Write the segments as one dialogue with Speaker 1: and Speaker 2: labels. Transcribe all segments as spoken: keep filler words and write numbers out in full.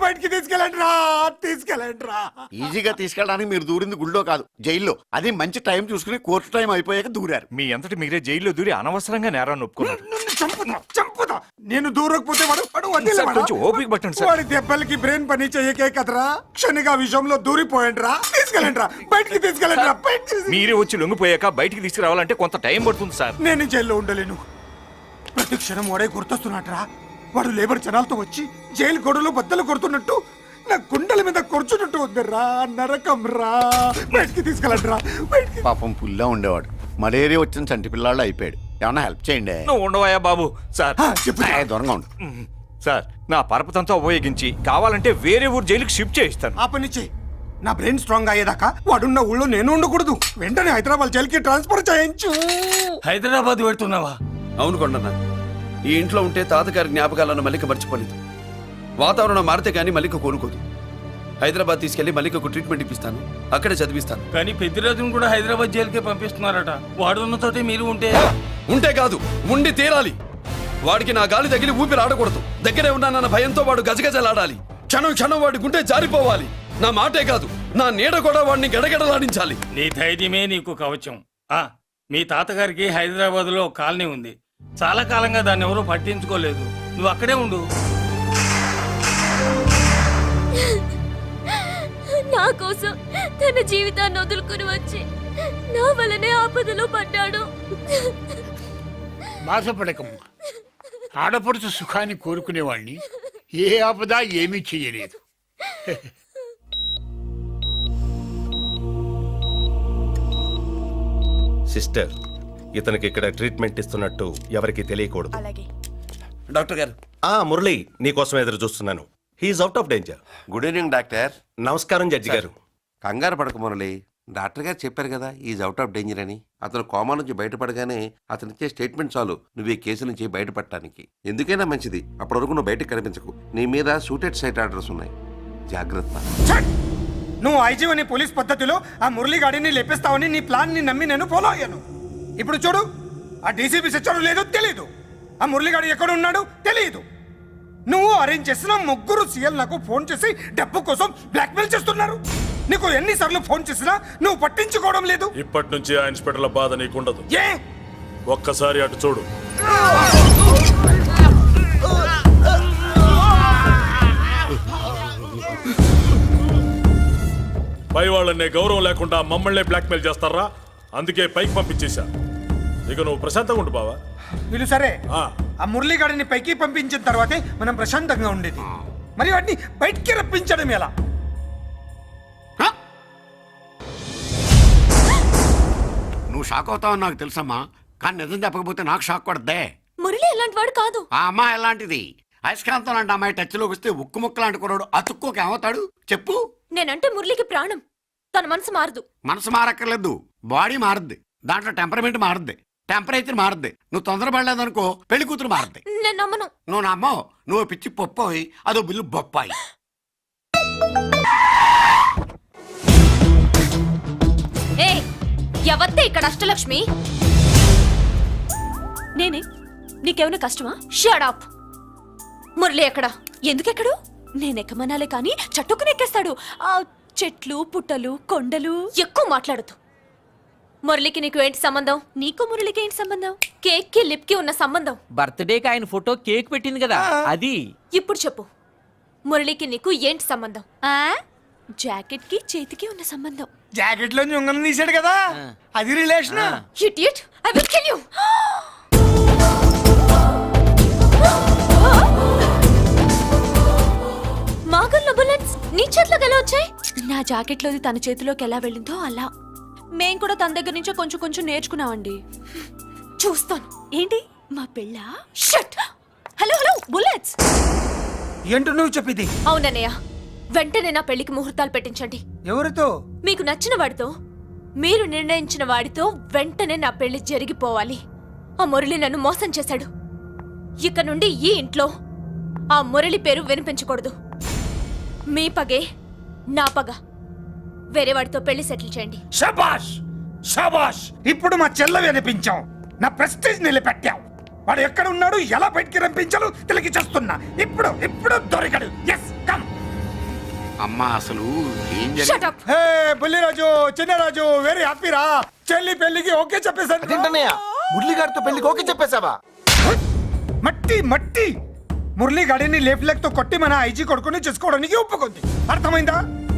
Speaker 1: బయటికి తీసుకెళ్ళండి రా తీసుకెళ్ళండి రా.
Speaker 2: ఈజీగా తీసుకెళ్ళడానికి మీరు దూరింది గుళ్ళో కాదు, జైల్లో. అది మంచి టైం చూసుకుని కోర్టు టైం అయిపోయాక దూరారు.
Speaker 3: మీ అంతటి మీరే జైల్లో దూరి అనవసరంగా నేరాన్ని ఒప్పుకున్నారు.
Speaker 1: నన్ను చంపుతా చంపుతా. నేను దూరకపోతే వాడు వాడు వదిలేవాడా?
Speaker 3: కొంచెం ఓపిక పట్టండి సార్.
Speaker 1: వాడి దెబ్బలకి బ్రెయిన్ పని చేయకే కదరా, క్షణిగా విషయంలో దూరిపోయండి రా. తీసుకెళ్ళండి రా బయటికి తీసుకెళ్ళండి రా బయటికి.
Speaker 3: మీరే వచ్చి లొంగిపోయాక బయటికి తీసుకురావాలంటే కొంత టైం పడుతుంది సార్.
Speaker 1: నేను జైల్లో ఉండలేను. ప్రతి క్షణం వాడే గుర్తొస్తున్నట్రా. వాడు లేబర్ జనాలతో వచ్చి జైలు గొడవలో బద్దలు కొడుతున్నట్టు నా గుండెల మీద కొడుచున్నట్టు వద్దరా. నరకం రా. బయటికి తీసుకెళ్ళండి రా బయటికి.
Speaker 2: పాపం పుల్లా ఉండేవాడు, మలేరియా వచ్చిన చంటి పిల్లాళ్ళు అయిపోయాడు. ఏమన్నా హెల్ప్ చేయండి.
Speaker 3: నువ్వు ఉండవయ్యా బాబు. సార్
Speaker 1: చెప్పు
Speaker 2: ఏ, దూరంగా ఉండు.
Speaker 3: సార్ నా పరపతంతో ఉపయోగించి కావాలంటే వేరే ఊరు జైలుకి షిఫ్ట్ చేయిస్తాను.
Speaker 1: ఆ పని చెయ్యి. నా బ్రెయిన్ స్ట్రాంగ్ అయ్యేదాకా వాడున్న ఊళ్ళో నేను ఉండకూడదు. వెంటనే హైదరాబాద్ జైలుకి ట్రాన్స్ఫర్ చేయించు.
Speaker 4: హైదరాబాద్ పెడుతున్నావా?
Speaker 5: అవును కొండన్న, ఈ ఇంట్లో ఉంటే తాతగారి జ్ఞాపకాలను మల్లిక మర్చిపోలేదు. వాతావరణం మారితే గానీ మల్లిక కోరుకోదు. హైదరాబాద్ తీసుకెళ్లి మల్లికకు ట్రీట్మెంట్ ఇప్పిస్తాను, అక్కడే చదివిస్తాను.
Speaker 4: కానీ పెద్దిరాజును కూడా హైదరాబాద్ జైలుకే పంపిస్తున్నారట. వాడున్న తోటే మీరు ఉంటే
Speaker 5: ఉంటే కాదు, ఉండి తీరాలి. వాడికి నా గాలి తగిలి ఊపిరి ఆడకూడదు. దగ్గరే ఉన్నానన్న భయంతో వాడు గజగజలాడాలి. క్షణం క్షణం వాడి గుండె జారిపోవాలి. నా మాటే కాదు, నా నీడ కూడా వాడిని గడగడలాడించాలి.
Speaker 4: నీ ధైర్యమే నీకు కవచం. ఆ మీ తాతగారికి హైదరాబాద్ లో కాలనీ ఉంది. చాలా కాలంగా దాన్ని ఎవరూ పట్టించుకోలేదు. నువ్వు అక్కడే ఉండు.
Speaker 6: నా కోసం తన జీవితాన్ని వదులుకుని వచ్చి నా వల్లనే ఆపదలో పడ్డాడు.
Speaker 7: బాధపడకమ్మా. ఆడపడుచు సుఖాన్ని కోరుకునేవాణ్ణి ఏ ఆపద ఏమీ చెయ్యలేదు.
Speaker 8: సిస్టర్, ఇతనికి ఇక్కడ ట్రీట్మెంట్ ఇస్తున్నట్టు ఎవరికి తెలియకూడదు.
Speaker 5: డాక్టర్ గారు.
Speaker 8: ఆ మురళి, నీకోసం ఎదురు చూస్తున్నాను. He's out of danger.
Speaker 9: Good evening doctor.
Speaker 8: నమస్కారం జడ్జి గారు.
Speaker 9: కంగారు పడక మురళి, డాక్టర్ గారు చెప్పారు కదా ఈజ్ అవుట్ ఆఫ్ డేంజర్ అని. అతను కోమా నుంచి బయటపడగానే అతను ఇచ్చే స్టేట్మెంట్ చాలు నువ్వు ఈ కేసు నుంచి బయటపడటానికి. ఎందుకైనా మంచిది, అప్పటి వరకు నువ్వు బయటకు కనిపించకు. నీ మీద షూటెడ్ సైట్ ఆర్డర్స్ ఉన్నాయి, జాగ్రత్త.
Speaker 1: నువ్వు ఐజీ అని పోలీస్ పద్ధతిలో ఆ మురళీగాడిని లేపేస్తావని నీ ప్లాన్ ని నమ్మి నేను ఫాలో అయ్యాను. ఇప్పుడు చూడు, ఆ డీసీపీ సచ్చాడు లేదో తెలియదు, ఆ మురళీగాడు ఎక్కడ ఉన్నాడు తెలియదు. నువ్వు అరేంజ్ చేసిన ముగ్గురు సీఎల్ నాకు ఫోన్ చేసి డబ్బు కోసం బ్లాక్మెయిల్ చేస్తున్నారు. నీకు ఎన్నిసార్లు ఫోన్ చేసినా నువ్వు పట్టించుకోవడం లేదు.
Speaker 10: ఇప్పటి నుంచి ఆ ఇన్స్పెక్టర్ల బాధ నీకుండదు.
Speaker 1: ఏ
Speaker 10: ఒక్కసారి అటు చూడు. పై వాళ్ళనే గౌరవం లేకుండా మమ్మల్ని బ్లాక్మెయిల్ చేస్తారా? అందుకే పైకి పంపించేశా. ఇక నువ్వు ప్రశాంతంగా ఉండు బావా.
Speaker 1: వీళ్ళు సరే, ఆ మురళీగాడిని పైకి పంపించిన తర్వాతే మనం ప్రశాంతంగా ఉండేది. మరి వాటిని బయటికి రప్పించడం ఎలా?
Speaker 2: నువ్వు షాక్ అవుతావని నాకు తెలుసమ్మా, కానీ నిజం చెప్పకపోతే నాకు షాక్ కొడద్దే.
Speaker 6: మురళి ఎలాంటి వాడు కాదు.
Speaker 2: ఆ అమ్మాయి ఎలాంటిది? అయస్కాంతం లాంటి అమ్మాయి టచ్లోకి వస్తే ఉక్కు ముక్క లాంటి కుర్రాడు అతుక్కోక ఏమవుతాడు చెప్పు?
Speaker 6: నేనంటే మురళికి ప్రాణం. తన మనసు మారదు.
Speaker 2: మనసు మారక్కర్లేదు, బాడీ మారుద్ది. దాంట్లో టెంపరమెంట్ మారుద్ది, టెంపరేచర్ మారుద్ది. నువ్వు తొందరపడలేదనుకో పెళ్లి కూతురు మారుద్ది.
Speaker 6: నేను నమ్మను.
Speaker 2: నువ్వు నమ్మో, నువ్వు పిచ్చి పొప్పోయి అదో బిల్లు బొప్పాయి.
Speaker 6: ఏ ఎవత్తే ఇక్కడ అష్టలక్ష్మి? నేనే. నీకేమైనా కష్టమా? Shut up. మురళి ఎక్కడ? ఎందుకెక్కడు? నేనెక్కమనాలే కానీ చట్టుకుని ఎక్కేస్తాడు. ఆ చెట్లు పుట్టలు కొండలు. ఎక్కువ మాట్లాడదు. మురళికి నీకు ఏంటి సంబంధం? నీకు మురళికి ఏంటి సంబంధం? కేక్ కి లిప్ కి ఉన్న సంబంధం.
Speaker 11: బర్త్డేకి ఆయన ఫోటో కేక్ పెట్టింది కదా అది.
Speaker 6: ఇప్పుడు చెప్పు, మురళికి నీకు ఏంటి సంబంధం? జాకెట్ కి చేతికి ఉన్న సంబంధం.
Speaker 1: జాకెట్ లో ఉంగరం తీసాడు కదా, అది relation.
Speaker 6: Idiot, I will kill you. మాగల్లో బుల్లెట్స్ నీ చేతిలోకి ఎలా వచ్చాయి? నా జాకెట్ లోది తన చేతిలోకి ఎలా వెళ్ళిందో అలా. మేం కూడా తన దగ్గర నుంచే కొంచెం కొంచెం నేర్చుకున్నామండి. చూస్తాను. ఏంటి మా పెళ్ళ? షట్. Hello hello bullets.
Speaker 1: ఏంటో నువ్వు చెప్పింది?
Speaker 6: అవునన్నయ్య, వెంటనే నా పెళ్లికి ముహూర్తాలు పెట్టించండి.
Speaker 1: ఎవరితో?
Speaker 6: మీకు నచ్చిన వాడితో, మీరు నిర్ణయించిన వాడితో వెంటనే నా పెళ్లి జరిగిపోవాలి. ఆ మురళి నన్ను మోసం చేశాడు. ఇక నుండి ఈ ఇంట్లో ఆ మురళి పేరు వినిపించకూడదు. మీ పగే నా పగ. వేరే వాడితో పెళ్లి సెటిల్ చేయండి.
Speaker 1: శబాష్ శబాష్. ఇప్పుడు మా చెల్ల వినిపించాం, నా ప్రెస్టీజ్ నిలబెట్టావు. వాడు ఎక్కడ ఉన్నాడు, ఎలా బయటికి రంపించాలో తెలికి చేస్తున్నా. ఇప్పుడు ఇప్పుడు దొరికడు. Yes come.
Speaker 2: అమ్మా అసలు ఏం
Speaker 6: Shut
Speaker 2: జరిగింది
Speaker 6: up!
Speaker 1: Hey Bulliraju Chinnaraju very హ్యాపీరా చెల్లి పెళ్లికి ఓకే చెప్పేశాను
Speaker 12: మురళిగారితో పెళ్లికి ఓకే చెప్పేశావా?
Speaker 1: మట్టి మట్టి మురళీ గాడిని లేఫ్ లెగ్ తో కొట్టి మన ఐజీ కొడుకుని చేసుకోవడానికి ఒప్పుకుంది అర్థమైందా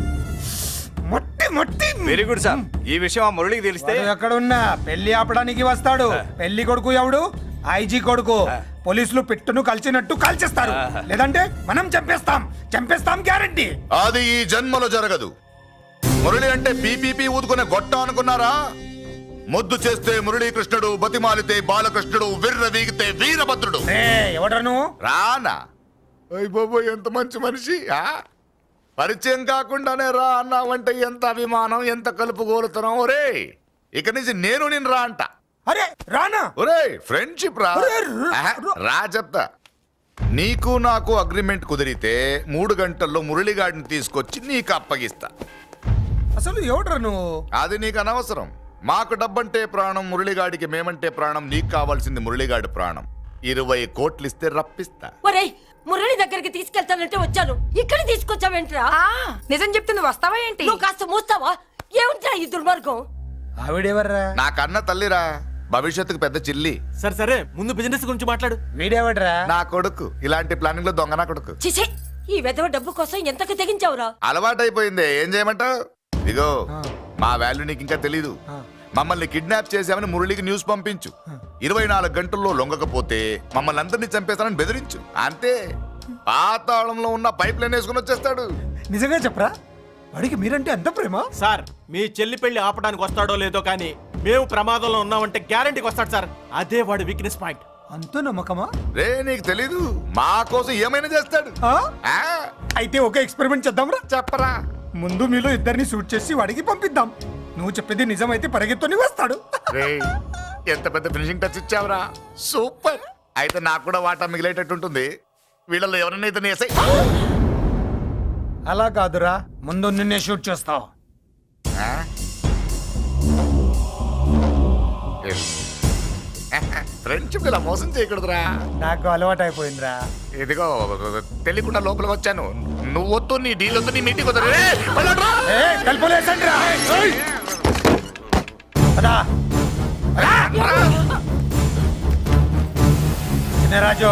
Speaker 1: మట్టి మట్టి
Speaker 3: వెరీ గుడ్ సార్ ఈ విషయం ఆ మురళికి తెలిస్తే
Speaker 1: వాడు ఎక్కడున్నా పెళ్లి ఆపడానికి వస్తాడు పెళ్లి కొడుకు ఎవడు ఐజీ కొడుకు పోలీసులు పిట్టును కలిసినట్టు కాల్చేస్తారు లేదంటే మనం చంపేస్తాం చంపేస్తాం గ్యారంటీ
Speaker 12: అది ఈ జన్మలో జరగదు. మురళి అంటే పీపీపీ ఊదుకునే గొట్ట అనుకున్నారా? ముద్దు చేస్తే మురళీకృష్ణుడు, బతిమాలితే బాలకృష్ణుడు, విర్ర వీగితే వీరభద్రుడు.
Speaker 1: ఎవడను
Speaker 12: రానా అయ్య బాబు ఎంత మంచి మనిషి. ఆ? పరిచయం కాకుండానే రా అన్నావంటే ఎంత అభిమానం, ఎంత కలుపుగోలుతున్నాం. ఒరే ఇక నుంచి నేను నిన్ను రా అంట.
Speaker 1: అరే రానా
Speaker 12: ఒరే ఫ్రెండ్షిప్ రా.
Speaker 1: ఒరే, ర-
Speaker 12: ఆహా, రా చెప్తా. నీకు నాకు అగ్రిమెంట్ కుదిరితే మూడు గంటల్లో మురళిగాడిని తీసుకొచ్చి నీకు అప్పగిస్తా.
Speaker 1: అసలు ఎవడరా నువ్వు
Speaker 12: అది నీకు అనవసరం. మాకు డబ్బంటే ప్రాణం, మురళిగాడికి మేమంటే ప్రాణం. నీకు కావాల్సింది మురళిగాడి ప్రాణం. ఇరవై కోట్లు ఇస్తే రప్పిస్తా.
Speaker 6: ఒరేయ్ మురళి దగ్గరికి తీసుకెళ్తానంటే వచ్చాను ఇక్కడ తీసుకొచ్చావేంట్రా నిజం చెప్తుంది వస్తావా ఏంటి నువ్వు కాస్త మూస్తావా ఏమిట్రా ఈ దుర్మార్గం
Speaker 1: ఆవిడెవర్రా
Speaker 12: నా కన్న తల్లిరా, భవిష్యత్తుకు పెద్ద చిల్లి.
Speaker 11: సరే సరే ముందు బిజినెస్ గురించి మాట్లాడు.
Speaker 1: వీడెవడ్రా
Speaker 12: నా కొడుకు ఇలాంటి ప్లానింగ్ లో దొంగ నా కొడుకు.
Speaker 6: చిసే ఈ వెధవ డబ్బు కోసం ఎంతకు తెగించావురా
Speaker 12: అలవాటైపోయింది, ఏం చేయమంటావు? ఇదిగో మా వాల్యూ నీకు ఇంకా తెలీదు. మమ్మల్ని కిడ్నాప్ చేశామని మురళికి న్యూస్ పంపించు. ఇరవై నాలుగు గంటల్లో లొంగకపోతే మమ్మల్ని అందరినీ చంపేస్తానని బెదిరించు. అంతే, పాతాళంలో ఉన్న పైప్ లైన్ వేసుకుని వచ్చేస్తాడు.
Speaker 1: నిజంగా చెప్పరా వాడికి మీరంటే ఎంత ప్రేమ
Speaker 11: సార్ మీ చెల్లి పెళ్లి ఆపడానికి వస్తాడో లేదో కానీ మేము ప్రమాదంలో ఉన్నామంటే గ్యారంటీకి వస్తాడు సార్. అదే వాడి వీక్నెస్ పాయింట్.
Speaker 1: అంత నమ్మకమా
Speaker 12: రే నీకు తెలీదు, మా కోసం ఏమైనా చేస్తాడు.
Speaker 1: ఆ?
Speaker 12: ఆ,
Speaker 1: అయితే ఒక ఎక్స్పెరిమెంట్ చేద్దాంరా
Speaker 12: చెప్పరా.
Speaker 1: ముందు మీలో ఇద్దరిని షూట్ చేసి వాడికి పంపిద్దాం. నువ్వు చెప్పేది నిజమైతే పరిగెత్తుని వస్తాడు.
Speaker 12: రే ఎంత పెద్ద ఫినిషింగ్ టచ్ ఇచ్చావురా, సూపర్. అయితే నాకు కూడా వాటా మిగిలేటట్టు ఉంటుంది. వీళ్ళలో ఎవరైనా ఇతను వేసాయి.
Speaker 1: అలా కాదురా ముందు నిన్నే షూట్ చేస్తావు.
Speaker 12: ఫ్రెండ్షిప్ ఇలా మోసం చేయకూడదురా.
Speaker 1: నాకు అలవాటు అయిపోయిందిరా.
Speaker 12: ఇదిగో తెలియకుండా లోపలికి వచ్చాను. నువ్వు వద్దు, నీ డీల్ వద్దు, నీ మీటింగ్ వద్దు. రే, వెళ్ళండ్రా.
Speaker 1: ఏ కలుపులేసండి రా. పదా. చిన్నరాజు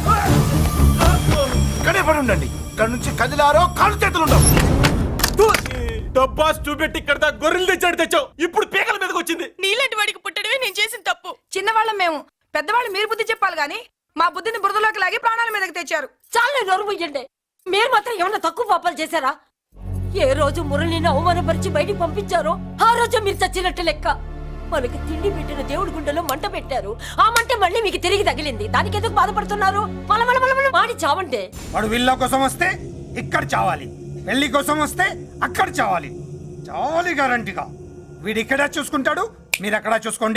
Speaker 12: ఇక్కడే పడి ఉండండి. ఇక్కడ నుంచి కదిలారో కాళ్ళు చేతులు ఉండవు.
Speaker 11: డబ్బా చూపెట్టి ఇక్కడ దాకా గొర్రెలు తెచ్చాడు తెచ్చావు. ఇప్పుడు పీకల మీదకి వచ్చింది.
Speaker 6: నీలాంటి వాడికి పుట్టడమే నేను చేసిన తప్పు చిన్నవాళ్ళం మేము పెద్దవాళ్ళు మీరు బుద్ధి చెప్పాలి గాని మా బుద్ధిని బురదలోకి లాగి ప్రాణాల మీదకి తెచ్చారు చాలా నోరు ముయ్యండి. మీరు మాత్రం ఏమన్నా తక్కువ పాపాలు చేశారా? ఏ రోజు మురళిని అవమానపరిచి బయటికి పంపించారో ఆ రోజు మీరు చచ్చినట్టు లెక్క. మనకి తిండి పెట్టిన దేవుడి గుండెలో మంట పెట్టారు. ఆ మంట మళ్ళీ మీకు తిరిగి తగిలింది. దానికి ఎందుకు బాధపడుతున్నారు? మలమల మలమల మాడి చావంటే.
Speaker 1: వాడు విల్లా కోసం వస్తే ఇక్కడ చావాలి, పెళ్లి కోసం వస్తే అక్కడ చావాలి. చావాలి గ్యారంటీగా. వీడు ఇక్కడ చూసుకుంటాడు, మీరు అక్కడ చూసుకోండి.